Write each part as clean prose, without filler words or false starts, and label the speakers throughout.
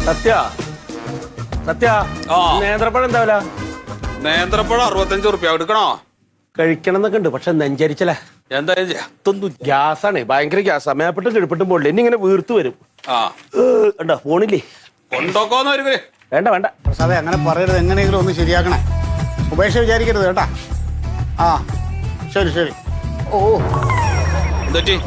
Speaker 1: സത്യ സത്യ നേന്ത്രപ്പഴം എന്താ വില?
Speaker 2: നേന്ത്രപ്പഴം 65 റുപ്യ എടുക്കണോ?
Speaker 1: കഴിക്കണം എന്നൊക്കെ ഉണ്ട്, പക്ഷെ നെഞ്ചരിച്ചല്ലേ.
Speaker 2: എന്തായാലും
Speaker 1: ഗ്യാസാണ്, ഭയങ്കര ഗ്യാസ്. മേപ്പെട്ടും കിഴപ്പെട്ടും പോണില്ല, ഇനി ഇങ്ങനെ വീർത്ത് വരും. ഉണ്ടോ ഫോണില്ലേ?
Speaker 2: കൊണ്ടോക്കോന്ന് വരുവേ.
Speaker 1: വേണ്ട വേണ്ട
Speaker 3: പ്രസാദേ, അങ്ങനെ പറയരുത്. എങ്ങനെയെങ്കിലും ഒന്ന് ശരിയാക്കണേ. ഉപേക്ഷ വിചാരിക്കരുത് കേട്ടാ. ആ ശരി ശരി. ഓ
Speaker 2: എന്തൊറ്റി?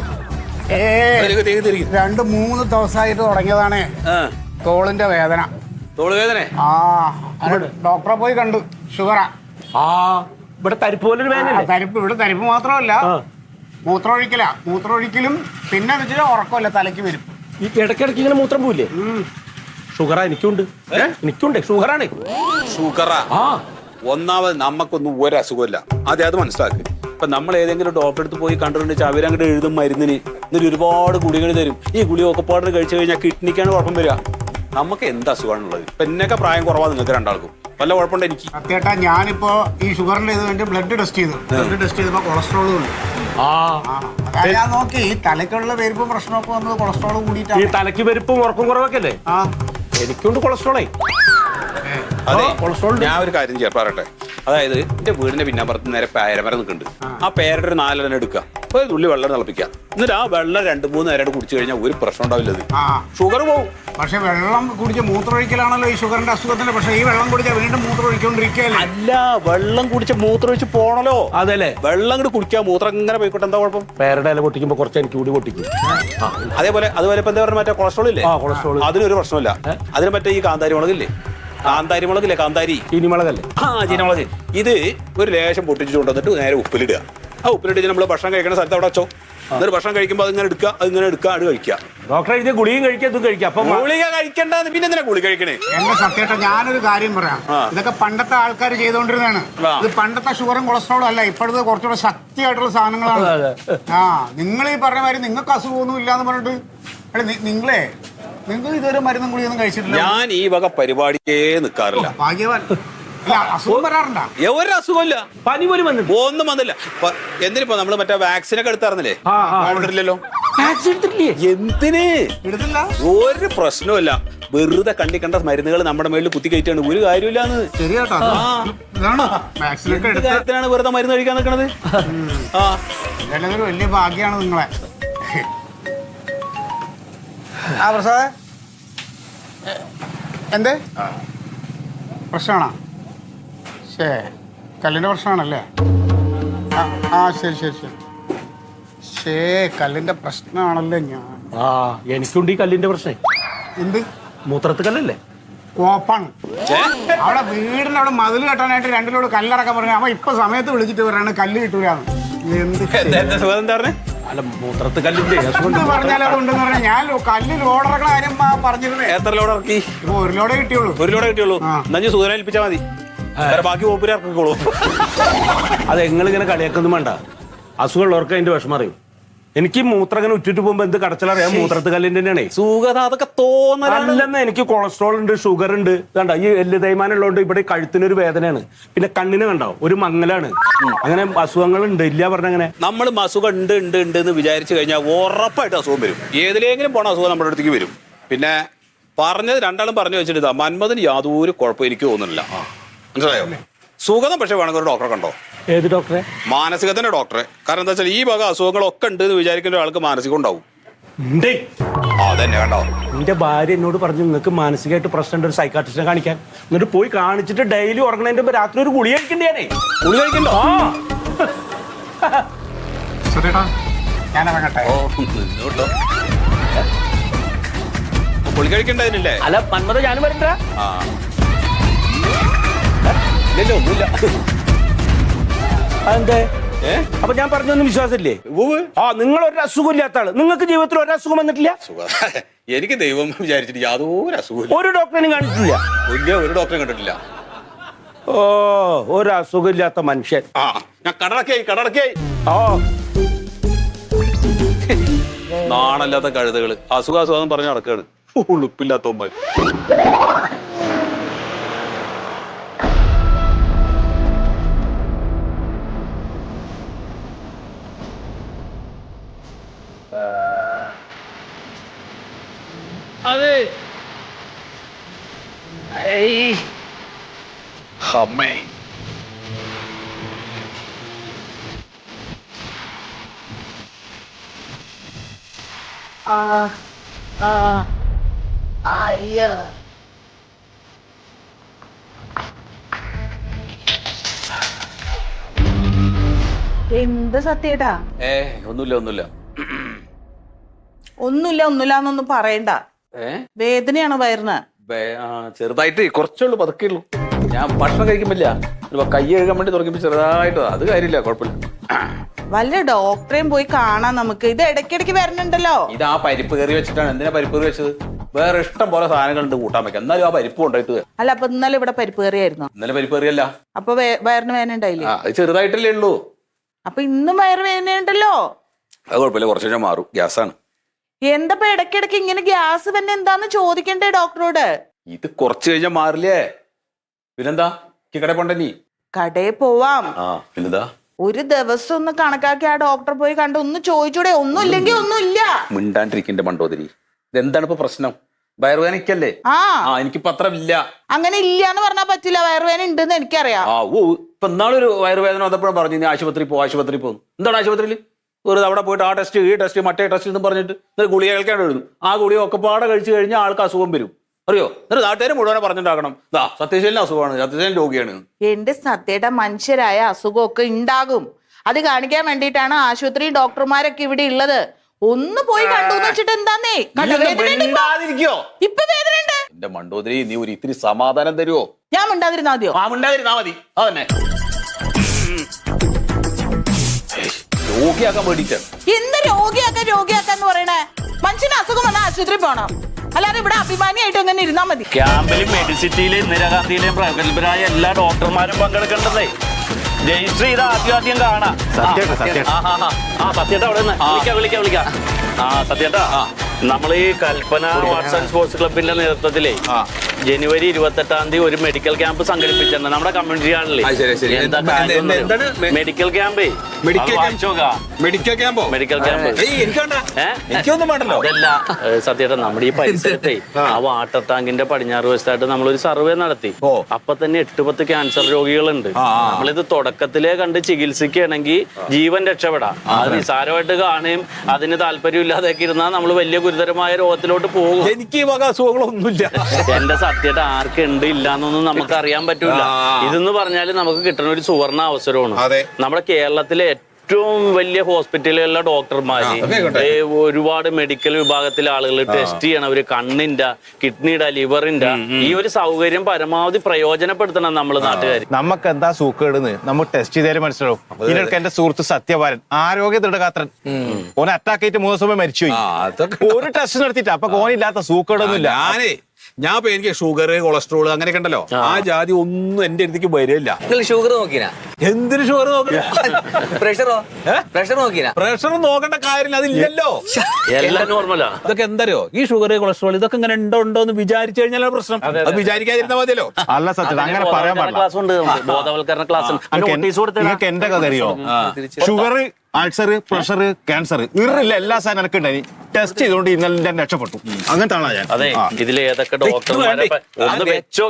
Speaker 3: 2-3 ദിവസമായിട്ട് തുടങ്ങിയതാണ് തോളിന്റെ വേദന.
Speaker 2: തോള് വേദന?
Speaker 3: ആ ഡോക്ടറെ പോയി കണ്ടു. ഷുഗറാ.
Speaker 1: ഇവിടെ തരിപ്പ് പോലൊരു വേദന.
Speaker 3: തരിപ്പ് ഇവിടെ തരിപ്പ് മാത്രമല്ല, മൂത്രമൊഴിക്കലും പിന്നെ വെച്ചാൽ ഉറക്കമല്ല, തലയ്ക്ക് വരും.
Speaker 1: ഈ ഇടയ്ക്കിടയ്ക്ക് ഇങ്ങനെ മൂത്രം പോയില്ലേ? ഷുഗറാ എനിക്കുണ്ട്. എനിക്കുണ്ട് ഷുഗറാണ്.
Speaker 2: ഷുഗറാ? ഒന്നാമത് നമുക്കൊന്നും ഒരു അസുഖമില്ല, അത് മനസ്സിലാക്കി. ഇപ്പൊ നമ്മൾ ഏതെങ്കിലും ഡോക്ടറെ അടുത്ത് പോയി കണ്ടിട്ടുണ്ടെങ്കിൽ അവരങ്ങോട്ട് എഴുതും മരുന്നിന്, എന്നിട്ട് ഒരുപാട് ഗുളികൾ തരും. ഈ ഗുളി ഒക്കെപ്പാട് കഴിച്ചു കഴിഞ്ഞാൽ കിഡ്നിക്കാണ് കുഴപ്പം വരിക. നമുക്ക് എന്ത് അസുഖമാണുള്ളത്? ഇപ്പൊ എന്നൊക്കെ പ്രായം കുറവാ നിങ്ങൾക്ക് രണ്ടാൾക്കും. വല്ല കുഴപ്പമുണ്ട്? എനിക്ക്
Speaker 3: സത്യേട്ടാ, ഞാനിപ്പോ ഈ ഷുഗറിന്റെ ഇത് വേണ്ടി ബ്ലഡ് ടെസ്റ്റ് ചെയ്തപ്പോ കൊളസ്ട്രോളും ഉണ്ട്. ഞാൻ നോക്കി ഈ തലയ്ക്കുള്ള പെരുപ്പും പ്രശ്നമൊക്കെ വന്നത് കൊളസ്ട്രോൾ കൂടിയിട്ടാണ്.
Speaker 1: ഈ തലയ്ക്ക് പെരുപ്പും ഉറക്കം കുറവൊക്കെ അല്ലേ? എനിക്കുണ്ട് കൊളസ്ട്രോളേ.
Speaker 2: അതെ, ഞാൻ ഒരു കാര്യം ചെയ്യാൻ പറയട്ടെ. അതായത് എന്റെ വീടിന്റെ പിന്നാമ്പുറത്ത് നേരെ പേരമരം നിൽക്കുന്നുണ്ട്. ആ പേരയുടെ ഒരു 4 എണ്ണം എടുക്കുക, ഒരു തുള്ളി വെള്ളം തിളപ്പിക്കുക, എന്നിട്ട് ആ വെള്ളം 2-3 നേരം കുടിച്ചു കഴിഞ്ഞാൽ ഒരു പ്രശ്നം ഉണ്ടാവില്ല. ഷുഗർ പോവും.
Speaker 3: പക്ഷെ വെള്ളം കുടിച്ച് മൂത്രമൊഴിക്കലാണല്ലോ ഈ ഷുഗറിന്റെ അസുഖത്തിന്. പക്ഷെ ഈ വെള്ളം കുടിച്ചാൽ വീണ്ടും മൂത്രമൊഴിക്കൊണ്ടിരിക്കുകയല്ലേ?
Speaker 2: അല്ല, വെള്ളം കുടിച്ച് മൂത്രമൊഴിച്ച് പോണല്ലോ.
Speaker 1: അതല്ലേ,
Speaker 2: വെള്ളം കൂടി കുടിക്കുക, മൂത്രം ഇങ്ങനെ പോയിക്കോട്ടെ, എന്താ കുഴപ്പം?
Speaker 1: പേരുടെ ഇല പൊട്ടിക്കുമ്പോ കുറച്ച് എനിക്ക് കൂടി പൊട്ടിക്കും.
Speaker 2: അതുപോലെ ഇപ്പൊ എന്താ പറയുക, മറ്റേ കൊളസ്ട്രോൾ ഇല്ലേ? അതിനൊരു പ്രശ്നമില്ല. അതിന് മറ്റേ ഈ കാന്താരി മുളകില്ലേ, കാന്താരി
Speaker 1: ചീനിമുളകല്ലേ?
Speaker 2: ചീനമുളക്. ഇത് ഒരു ലേശം പൊട്ടിച്ചു കൊണ്ടുവന്നിട്ട് നേരെ ഉപ്പിലിടുക. ആ ഉപ്പിലിട്ട് നമ്മൾ ഭക്ഷണം കഴിക്കുന്ന സ്ഥലത്ത് അവിടെ വെച്ചോ. എന്നിട്ട് ഭക്ഷണം കഴിക്കുമ്പോൾ അതിങ്ങനെ എടുക്കുക, അത് കഴിക്കുക.
Speaker 1: ഡോക്ടറെ ഇത് ഗുളിയും കഴിക്കുക, ഇതും കഴിക്കുക. അപ്പൊ
Speaker 2: ഗുളിക കഴിക്കണ്ടെന്ന് പിന്നെ എന്തിനാ ഗുളി കഴിക്കണേ?
Speaker 3: എന്റെ സത്യേട്ടാ, ഞാനൊരു കാര്യം പറയാം. ഇതൊക്കെ പണ്ടത്തെ ആൾക്കാർ ചെയ്തോണ്ടിരുന്നതാണ്. ഇത് പണ്ടത്തെ ഷുഗറും കൊളസ്ട്രോളും അല്ല, ഇപ്പോഴത്തെ കുറച്ചുകൂടെ ശക്തിയായിട്ടുള്ള സാധനങ്ങളാണ്. നിങ്ങൾ ഈ പറഞ്ഞ മാതിരി നിങ്ങൾക്ക് അസുഖമൊന്നും ഇല്ലാന്ന് പറഞ്ഞിട്ട് നിങ്ങൾക്ക് ഇതുവരെ മരുന്നും ഗുളിയൊന്നും കഴിച്ചിട്ടില്ല.
Speaker 2: ഞാൻ ഈ വക പരിപാടിക്കേ നിൽക്കാറില്ല.
Speaker 3: ഭാഗ്യവാൻ. അസുഖം വരാറുണ്ടോ?
Speaker 2: ഒരു അസുഖമില്ല,
Speaker 1: പനി പോലും വന്നില്ല,
Speaker 2: ഒന്നും വന്നില്ല. എന്തിനിപ്പോ നമ്മള് മറ്റേ വാക്സിനൊക്കെ എടുത്തായിരുന്നില്ലേ? ഇല്ലല്ലോ. എന്തിന്
Speaker 3: എടുത്തില്ല?
Speaker 2: ഒരു പ്രശ്നമില്ല. വെറുതെ കണ്ട മരുന്നുകൾ നമ്മുടെ മേളിൽ കുത്തി കയറ്റാണ്, ഒരു കാര്യമില്ലാന്ന്. കാര്യത്തിനാണ് വെറുതെ മരുന്ന് കഴിക്കാൻ നിൽക്കണത്.
Speaker 3: വലിയ ഭാഗ്യാണ് നിങ്ങളെ. പ്രസാദേ, എന്തേ പ്രശ്നമാണോ? കല്ലിന്റെ പ്രശ്നമാണല്ലേ? ശരി കല്ലിന്റെ പ്രശ്നമാണല്ലേ?
Speaker 1: എനിക്കുണ്ട് ഈ കല്ലിന്റെ പ്രശ്നം.
Speaker 3: എന്ത്?
Speaker 1: മൂത്രത്ത് കല്ലല്ലേ?
Speaker 3: കോപ്പാണ്. അവിടെ വീടിന്റെ അവിടെ മതിൽ കെട്ടാനായിട്ട് 2 ലോഡ് കല്ലിറക്കാൻ പറഞ്ഞു. അവൻ ഇപ്പൊ സമയത്ത് വിളിച്ചിട്ട് പറയാണ് കല്ല് കിട്ടൂലാന്ന്.
Speaker 1: അല്ല, മൂത്രത്ത് കല്ലിന്റെ
Speaker 3: പറഞ്ഞാൽ ഉണ്ടെന്ന് പറഞ്ഞാൽ ഞാൻ കല്ല് ലോഡിറക്കണ കാര്യം പറഞ്ഞിരുന്നേ.
Speaker 2: എത്ര ലോഡ് ഇറക്കി?
Speaker 3: 1 ലോഡേ കിട്ടിയുള്ളൂ.
Speaker 2: 1 ലോഡേ കിട്ടിയുള്ളൂ. എന്നാ സൂചന ഏൽപ്പിച്ചാൽ മതി, ബാക്കി ഓപ്പര് ഇറക്കിക്കോളൂ.
Speaker 1: അത് നിങ്ങളിങ്ങനെ കളിയാക്കൊന്നും വേണ്ട. അസുഖമുള്ളവർക്ക് അതിന്റെ വിഷമം അറിയും. എനിക്ക് മൂത്രം ഇങ്ങനെ ഉറ്റിട്ട് പോകുമ്പോ എന്ത് കടച്ചലറിയാം, മൂത്രത്ത് കല്ലിന്റെ തന്നെയാണ്.
Speaker 2: സുഖത അതൊക്കെ തോന്നലെന്ന്.
Speaker 1: എനിക്ക് കൊളസ്ട്രോൾ ഉണ്ട്, ഷുഗർ ഉണ്ട്. കണ്ട, ഈ എല്ല് തേയ്മാനം ഉള്ളതുകൊണ്ട് ഇവിടെ കഴുത്തിനൊരു വേദനയാണ്, പിന്നെ കണ്ണിന് കണ്ടോ ഒരു മങ്ങലാണ്. അങ്ങനെ അസുഖങ്ങൾ ഉണ്ട്, ഇല്ല പറഞ്ഞങ്ങനെ.
Speaker 2: നമ്മൾ അസുഖം ഉണ്ട് എന്ന് വിചാരിച്ചു കഴിഞ്ഞാൽ ഉറപ്പായിട്ട് അസുഖം വരും. ഏതിലെങ്കിലും പോണ അസുഖം നമ്മുടെ അടുത്തേക്ക് വരും. പിന്നെ പറഞ്ഞത് രണ്ടാളും പറഞ്ഞു വെച്ചിട്ട് മന്മഥന് യാതൊരു കുഴപ്പം എനിക്ക് തോന്നുന്നില്ല. മനസ്സിലായോ? സുഖം പക്ഷെ വേണമെങ്കിൽ ഒരു ഡോക്ടറെ കണ്ടോ.
Speaker 1: ഏത് ഡോക്ടറെ?
Speaker 2: മാനസികത്തിന്റെ ഡോക്ടറെ. കാരണം എന്താ വെച്ചാൽ ഈ വക അസുഖങ്ങളൊക്കെ ഉണ്ട് എന്ന് വിചാരിക്കുന്ന ഒരാൾക്ക് മാനസികം ഉണ്ടാവും. അതന്നെ കണ്ടോ,
Speaker 1: എന്റെ ഭാര്യ എന്നോട് പറഞ്ഞു നിങ്ങൾക്ക് മാനസികമായിട്ട് പ്രശ്നമുണ്ട്, ഒരു സൈക്കാട്രിസ്റ്റിനെ കാണിക്കാൻ. എന്നിട്ട് പോയി കാണിച്ചിട്ട് ഡെയിലി ഉറങ്ങണതിന്റെ മുമ്പ് രാത്രി ഒരു ഗുളി കഴിക്കണ്ടേ?
Speaker 2: ഗുളി കഴിക്കണ്ടോ?
Speaker 3: ഞാൻ ഇറങ്ങട്ടെ.
Speaker 2: ഗുളി കഴിക്കണ്ടതിനല്ലേ?
Speaker 1: അല്ല മന്മഥ, ഞാനും വരണ്ട.
Speaker 2: ഇല്ലല്ലോ, ഒന്നുമില്ല.
Speaker 1: അതെന്തേ? അപ്പൊ ഞാൻ പറഞ്ഞൊന്നും വിശ്വാസമില്ലേ? നിങ്ങൾ ഒരു അസുഖം ഇല്ലാത്ത ആള്, നിങ്ങൾക്ക് ജീവിതത്തിൽ ഒരു അസുഖം വന്നിട്ടില്ല?
Speaker 2: എനിക്ക് ദൈവം വിചാരിച്ചിട്ട് യാതൊരു അസുഖം.
Speaker 1: ഒരു ഡോക്ടറിനും കാണിച്ചിട്ടില്ല?
Speaker 2: ഒരു ഡോക്ടറെ കണ്ടിട്ടില്ല.
Speaker 1: ഒരു അസുഖം ഇല്ലാത്ത മനുഷ്യൻ.
Speaker 2: ഞാൻ കടടക്കായി. നാണല്ലാത്ത കഴുതകള് അസുഖം പറഞ്ഞ് നടക്കാണ്. ഉളുപ്പില്ലാത്തവന്മാർ.
Speaker 1: അതെ,
Speaker 4: അമ്മേ.
Speaker 5: എന്ത് സത്യേട്ടാ?
Speaker 2: ഒന്നുമില്ല
Speaker 5: ഒന്നുമില്ലാന്നൊന്നും പറയണ്ട. വേദനയാണോ വയറിന്?
Speaker 2: ചെറുതായിട്ട് കുറച്ചുള്ളൂ, പതുക്കേ ഉള്ളൂ. ഞാൻ ഭക്ഷണം കഴിക്കുമ്പില്ല, കൈ കഴുകാൻ വേണ്ടി തുറക്കുമ്പോ ചെറുതായിട്ട്, അത് കാര്യമില്ല, കുഴപ്പമില്ല.
Speaker 5: വല്ല ഡോക്ടറെയും പോയി കാണാൻ നമുക്ക്. ഇത് ഇടയ്ക്കിടയ്ക്ക് വരണുണ്ടല്ലോ.
Speaker 2: ഇത് ആ പരിപ്പ് കറി വെച്ചിട്ടാണ്. എന്തിനാ പരിപ്പ് കറി വെച്ചത്? വേറെ ഇഷ്ടം പോലെ സാധനങ്ങളുണ്ട് കൂട്ടാൻ വെക്കാം, എന്നാലും ആ പരിപ്പ് കൊണ്ടായിട്ട്.
Speaker 5: അല്ല, അപ്പൊ ഇന്നലെ ഇവിടെ പരിപ്പ് കറിയായിരുന്നു.
Speaker 2: ഇന്നലെ പരിപ്പ് കറിയല്ല.
Speaker 5: അപ്പൊ വയറിന് വേദന ഉണ്ടായില്ലേ?
Speaker 2: അത് ചെറുതായിട്ടല്ലേ ഉള്ളൂ.
Speaker 5: അപ്പൊ ഇന്നും വയറ് വേദന ഉണ്ടല്ലോ.
Speaker 2: അത് കുഴപ്പമില്ല, കുറച്ച് കഴിഞ്ഞാൽ മാറും. ഗ്യാസാണ്.
Speaker 5: എന്തപ്പോ ഇടയ്ക്കിടയ്ക്ക് ഇങ്ങനെ ഗ്യാസ് തന്നെ എന്താന്ന് ചോദിക്കണ്ടേ ഡോക്ടറോട്?
Speaker 2: ഇത് കുറച്ച് കഴിഞ്ഞാൽ മാറില്ലേ? പിന്നെന്താ, കടയിൽ പോണ്ട നീ?
Speaker 5: കടയിൽ പോവാം.
Speaker 2: പിന്നെന്താ,
Speaker 5: ഒരു ദിവസം ഒന്ന് കണക്കാക്കി ആ ഡോക്ടറെ പോയി കണ്ട് ഒന്ന് ചോദിച്ചൂടെ? ഒന്നും ഇല്ലെങ്കിൽ ഒന്നുമില്ല.
Speaker 2: മിണ്ടാണ്ടിരിക്കണ്ട മണ്ടോദരി. ഇതെന്താണ് ഇപ്പൊ പ്രശ്നം? വയറുവേദനയ്ക്കല്ലേ? എനിക്കിപ്പോ അത്ര ഇല്ല.
Speaker 5: അങ്ങനെ ഇല്ലാന്ന് പറഞ്ഞാൽ പറ്റില്ല. വയറുവേദന ഉണ്ടെന്ന് എനിക്കറിയാം.
Speaker 2: ഇപ്പൊ ഇന്നാളൊരു വയറുവേദന വന്നപ്പോഴും പറഞ്ഞു നീ ആശുപത്രി പോകുന്നു. എന്താണ് ആശുപത്രിയിൽ ഒരു അവിടെ പോയിട്ട് ആ ടെസ്റ്റ് ഈ ടെസ്റ്റ് മറ്റേ ടെസ്റ്റ് എന്ന് പറഞ്ഞിട്ട് എന്നിട്ട് ഗുളിക കേൾക്കാൻ എഴുതും. ആ ഗുളിക ഒക്കെ പാടെ കഴിച്ചു കഴിഞ്ഞാൽ ആൾക്ക് അസുഖം വരും. അറിയോ? എന്നിട്ട് നാട്ടുകാരെ മുഴുവനെ പറഞ്ഞിട്ടാക്കണം സത്യശീലന് അസുഖമാണ്, സത്യശീലൻ രോഗിയാണ്.
Speaker 5: എന്റെ സത്യയുടെ മനുഷ്യരായ അസുഖമൊക്കെ ഉണ്ടാകും. അത് കാണിക്കാൻ വേണ്ടിയിട്ടാണ് ആശുപത്രി ഡോക്ടർമാരൊക്കെ ഇവിടെ ഉള്ളത്. ഒന്ന് പോയി കണ്ടു വെച്ചിട്ട് എന്താന്നേ? ഇപ്പൊ വേദനയുണ്ട്.
Speaker 2: എന്റെ മണ്ടോദരി, നീ ഒരു ഇത്തിരി സമാധാനം തരുവോ?
Speaker 5: ഞാൻ മിണ്ടാതിരുന്നാ മതിയോ?
Speaker 2: മിണ്ടാതിരുന്നാ മതി. അതന്നെ രോഗിയാക്കാൻ വേണ്ടിട്ടാണ്.
Speaker 5: എന്ത് രോഗിയാക്കാന്ന് പറയണേ? മനുഷ്യന് അസുഖം വന്നാൽ ആശുപത്രി പോണം, അല്ലാതെ ഇവിടെ അഭിമാനിയായിട്ട് എങ്ങനെ ഇരുന്നാ മതി?
Speaker 1: ക്യാമ്പിലും മെഡിസിറ്റിയിലും ഇന്ദിരാഗാന്ധിയിലെയും പ്രഗത്ഭരായ എല്ലാ ഡോക്ടർമാരും പങ്കെടുക്കേണ്ടതേ. ജയശ്രീ ഇത് ആദ്യം കാണാം. സത്യേട്ടാ അവിടെ നിന്ന് വിളിക്കാം. സത്യേട്ടാ, നമ്മൾ ഈ കൽപ്പന ആർട്സ് ആൻഡ് സ്പോർട്സ് ക്ലബിന്റെ നേതൃത്വത്തിലേ ജനുവരി 28 ഒരു മെഡിക്കൽ ക്യാമ്പ് സംഘടിപ്പിച്ചിട്ടുണ്ട് നമ്മുടെ കമ്മ്യൂണിറ്റി ആണല്ലേ. Medical camp. അതല്ല സത്യേട്ടാ, നമ്മുടെ ഈ പരിസരത്തെ ആ വാട്ടർ ടാങ്കിന്റെ പടിഞ്ഞാറ് വശത്തായിട്ട് നമ്മളൊരു സർവേ നടത്തി. അപ്പൊ തന്നെ 8-10 ക്യാൻസർ രോഗികളുണ്ട്. നമ്മളിത് തുടക്കത്തിലേ കണ്ട് ചികിത്സിക്കുകയാണെങ്കിൽ ജീവൻ രക്ഷപ്പെടാം. അത് നിസാരമായിട്ട് കാണുകയും അതിന് താല്പര്യമില്ലാതെയൊക്കെ ഇരുന്നാൽ നമ്മൾ വലിയ ഗുരുതരമായ രോഗത്തിലോട്ട് പോകും.
Speaker 2: എനിക്ക് ഈ വക അസുഖങ്ങളൊന്നുമില്ല.
Speaker 1: എന്റെ സത്യമായിട്ട് ആർക്കുണ്ട് ഇല്ലാന്നൊന്നും നമുക്ക് അറിയാൻ പറ്റൂല. ഇതെന്ന് പറഞ്ഞാല് നമുക്ക് കിട്ടുന്ന ഒരു സുവർണ അവസരമാണ്. നമ്മുടെ കേരളത്തിലെ ഏറ്റവും വലിയ ഹോസ്പിറ്റലുകളിലെ ഡോക്ടർമാര്, ഒരുപാട് മെഡിക്കൽ വിഭാഗത്തിലെ ആളുകൾ ടെസ്റ്റ് ചെയ്യണവര്, കണ്ണിന്റെ, കിഡ്നിയുടെ, ലിവറിന്റെ ഈ ഒരു സൗകര്യം പരമാവധി പ്രയോജനപ്പെടുത്തണം നമ്മള് നാട്ടുകാർ.
Speaker 6: നമുക്ക് എന്താ സൂക്കേടുന്ന് നമ്മൾ ടെസ്റ്റ് ചെയ്താലും മനസ്സിലാവും. ഇതിനൊക്കെ എന്റെ സുഹൃത്ത് സത്യവാരൻ ആരോഗ്യ ദൃഢഗാത്രൻ, ഓനെ അറ്റാക്ക് ആയിട്ട് 3 ദിവസം മരിച്ചുപോയി. ഒരു ടെസ്റ്റ് നടത്തിയിട്ട് അപ്പൊ ഓനില്ലാത്ത സൂക്കേടൊന്നും ഇല്ല.
Speaker 2: ഞാൻ ഇപ്പൊ എനിക്ക് ഷുഗർ, കൊളസ്ട്രോൾ അങ്ങനെയൊക്കെ ഉണ്ടല്ലോ, ആ ജാതി ഒന്നും എന്റെ അടുത്തേക്ക് വരില്ല.
Speaker 7: ഷുഗർ നോക്കിനാ?
Speaker 2: എന്തിനു ഷുഗർ നോക്കിനാ?
Speaker 7: പ്രഷർ നോക്കിനാ?
Speaker 2: പ്രഷർ നോക്കേണ്ട കാര്യമില്ല, അതില്ലല്ലോ,
Speaker 1: എല്ലാം നോർമലാ.
Speaker 2: ഇതൊക്കെ എന്തറിയോ, ഈ ഷുഗർ, കൊളസ്ട്രോൾ ഇതൊക്കെ ഇങ്ങനെ ഉണ്ടോ എന്ന് വിചാരിച്ചു കഴിഞ്ഞാൽ പ്രശ്നം. അത് വിചാരിക്കാതിരുന്നാ മതിയല്ലോ.
Speaker 6: അല്ല സത്യം, അങ്ങനെ പറയാൻ പാടില്ല.
Speaker 1: ക്ലാസ് ഉണ്ട്, ബോധവൽക്കരണ ക്ലാസ്.
Speaker 6: നിങ്ങൾക്ക് എന്റെ കഥ അറിയോ? ഷുഗർ, അൾസർ, പ്രഷർ, ക്യാൻസർ ഇറില്ല എല്ലാ സാധനം എനിക്ക് ഉണ്ടായി. ടെസ്റ്റ് ചെയ്തുകൊണ്ട് ഇന്നലെ ഞാൻ രക്ഷപ്പെട്ടു. അങ്ങനത്തെ ആളാ ഞാൻ.
Speaker 1: അതെ, ഇതിൽ ഏതൊക്കെ ഡോക്ടർമാരെ ഒന്ന് വെച്ചോ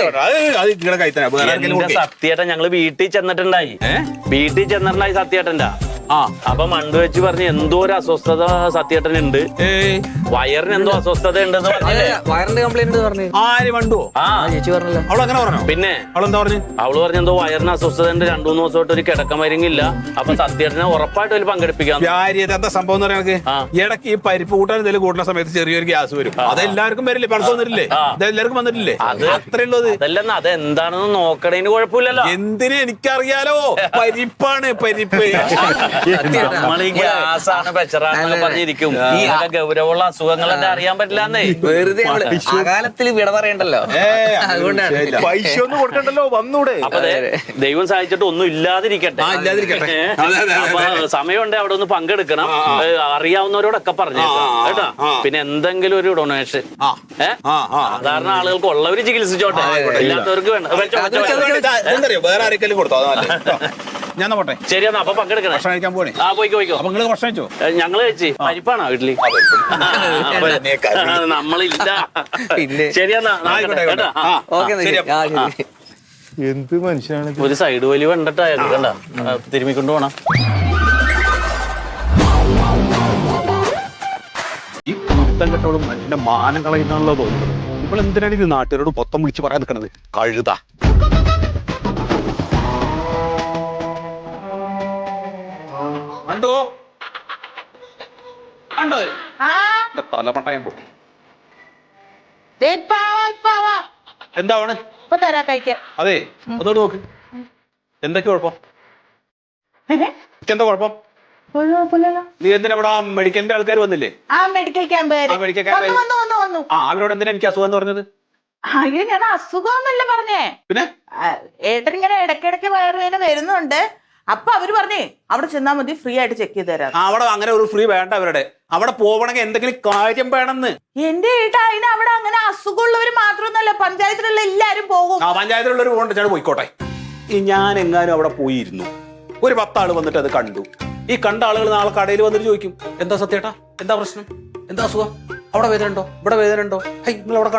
Speaker 1: സത്യേട്ടൻ ഞങ്ങള് വീട്ടിൽ ചെന്നിട്ടുണ്ടായി സത്യേട്ടന്റെ. അപ്പൊ മണ്ടു വെച്ച് പറഞ്ഞ് എന്തോ ഒരു അസ്വസ്ഥത സത്യേട്ടനുണ്ട്, വയറിന് എന്തോ അസ്വസ്ഥത ഉണ്ടെന്ന് പറഞ്ഞില്ലേ?
Speaker 7: വയറിന്റെ കംപ്ലൈന്റ് പറഞ്ഞു.
Speaker 2: ആര് മണ്ടു?
Speaker 7: ചേച്ചി പറഞ്ഞല്ലോ.
Speaker 2: അവളങ്ങനെ പറഞ്ഞു.
Speaker 1: പിന്നെ
Speaker 2: അവളെന്താ പറഞ്ഞു?
Speaker 1: അവള് പറഞ്ഞ എന്തോ വയറിന് അസ്വസ്ഥത ഉണ്ട്, 2-3 ദിവസമായിട്ട് ഒരു കിടക്കമരുങ്ങില്ല. അപ്പൊ സത്യേട്ടനെ ഉറപ്പായിട്ട് അതിൽ പങ്കെടുപ്പിക്കാം.
Speaker 2: എന്താ സംഭവം എന്ന് പറയാൻ ഇടയ്ക്ക് ഈ പരിപ്പ് കൂട്ടാൻ എന്തെങ്കിലും കൂട്ടുന്ന സമയത്ത് ചെറിയൊരു ഗ്യാസ് വരും. അതെല്ലാവർക്കും വരില്ലേ? പണക്കം വന്നിട്ടില്ലേ? അതെല്ലാവർക്കും വന്നിട്ടില്ലേ? അത്രേ ഉള്ളത്.
Speaker 1: അതല്ലെന്ന് അതെന്താണെന്ന് നോക്കണേന് കുഴപ്പമില്ലല്ലോ.
Speaker 2: എന്തിനു എനിക്കറിയാലോ, പരിപ്പാണ് പരിപ്പ്.
Speaker 1: നമ്മൾ ഈ ഗ്യാസാണ് പ്രഷറാണെന്നൊക്കെ പറഞ്ഞിരിക്കും. ഈ ഗൗരവമുള്ള അസുഖങ്ങളൊക്കെ അറിയാൻ പറ്റില്ലാന്നേ.
Speaker 7: വെറുതെ അകാലത്തിൽ വിട പറയണ്ടല്ലോ, അതുകൊണ്ടാണ്.
Speaker 6: പൈസ ഒന്നും കൊടുക്കണ്ടല്ലോ, വന്നൂടെ.
Speaker 1: അപ്പൊ ദൈവം സഹായിച്ചിട്ട് ഒന്നും ഇല്ലാതിരിക്കട്ടെ. അപ്പൊ സമയമുണ്ട് അവിടെ ഒന്ന് പങ്കെടുക്കണം. അറിയാവുന്നവരോടൊക്കെ പറഞ്ഞേക്കാം കേട്ടോ. പിന്നെ എന്തെങ്കിലും ഒരു ഡൊണേഷൻ സാധാരണ ആളുകൾക്ക് ഉള്ളവര് ചികിത്സിച്ചോട്ടെ, ഇല്ലാത്തവർക്ക് വേണ്ട.
Speaker 2: വേറെ ആരെങ്കിലും കൊടുത്തോ? ഞാൻ പോട്ടെ.
Speaker 1: ശരി, എന്നാ അപ്പൊ പങ്കെടുക്കണം.
Speaker 2: ഭക്ഷണം കഴിക്കാൻ പോണേ.
Speaker 1: പോയിക്കോ.
Speaker 2: അപ്പൊ നിങ്ങള് ഭക്ഷണം കഴിച്ചോ?
Speaker 1: ഞങ്ങള് കഴിച്ച് പരിപ്പാണോ വീട്ടില്? നമ്മളില്ല. ശരിയെന്നാ.
Speaker 7: ഓക്കെ.
Speaker 6: എന്ത് മനുഷ്യനാണ്
Speaker 1: ഒരു സൈഡ് വലി കണ്ടിട്ട് അയാൾക്ക് കണ്ട തിരുമ്മിക്കൊണ്ട് പോണം.
Speaker 2: ഈ കുത്തം കെട്ടോടും എന്റെ മാനം കളയുന്നാണല്ലോ തോന്നുന്നത്. ഇപ്പോൾ എന്തിനാണ് ഇത് നാട്ടുകാരോട് മൊത്തം വിളിച്ച് പറയാൻ നിൽക്കണത്? കഴുതാ കണ്ടോ കണ്ടോ തലമട്ടയം പോ. എന്താണ് അതെ അതോട് നോക്ക്. എന്തൊക്കെ കുഴപ്പം? എന്താ കുഴപ്പം? നീ എന്തിനാ ഇവിടെ മെഡിക്കലിന്റെ ആൾക്കാർ വന്നില്ലേ?
Speaker 5: മെഡിക്കൽ ക്യാമ്പ്
Speaker 2: അവരോട് എന്തിനാ എനിക്ക് അസുഖം എന്ന് പറഞ്ഞത്?
Speaker 5: അയ്യോ ഞാൻ അസുഖമൊന്നുമില്ല പറഞ്ഞേ.
Speaker 2: പിന്നെ
Speaker 5: ഏട്ടൻ ഇങ്ങനെ ഇടയ്ക്കിടയ്ക്ക് വയറുവേദന വരുന്നുണ്ട്. അപ്പൊ അവര് പറഞ്ഞേ അവിടെ ചെന്നാ മതി, ഫ്രീ ആയിട്ട് ചെക്ക് ചെയ്ത് തരാം.
Speaker 2: അവിടെ അങ്ങനെ ഒരു ഫ്രീ വേണ്ട. അവരുടെ അവിടെ പോവണമെങ്കിൽ എന്തെങ്കിലും കാര്യം വേണമെന്ന്.
Speaker 5: എന്റെ ഏട്ടാ അതിന് അവിടെ അങ്ങനെ അസുഖമുള്ളവര് മാത്രമൊന്നുമല്ല, പഞ്ചായത്തിലുള്ള എല്ലാരും പോകും.
Speaker 2: പഞ്ചായത്തിലുള്ളവർ പോകണ്ട, പോയിക്കോട്ടെ. ഈ ഞാൻ എങ്ങാനും അവിടെ പോയിരുന്നു, ഒരു 10 ആള് വന്നിട്ട് അത് കണ്ടു. ഈ കണ്ട ആളുകൾ നാളെ കടയിൽ വന്നിട്ട് ചോദിക്കും, എന്താ സത്യേട്ടാ, എന്താ പ്രശ്നം, എന്താ അസുഖം, അവിടെ വേദന ഉണ്ടോ, ഇവിടെ വേദന ഉണ്ടോ, നിങ്ങൾ അവിടെ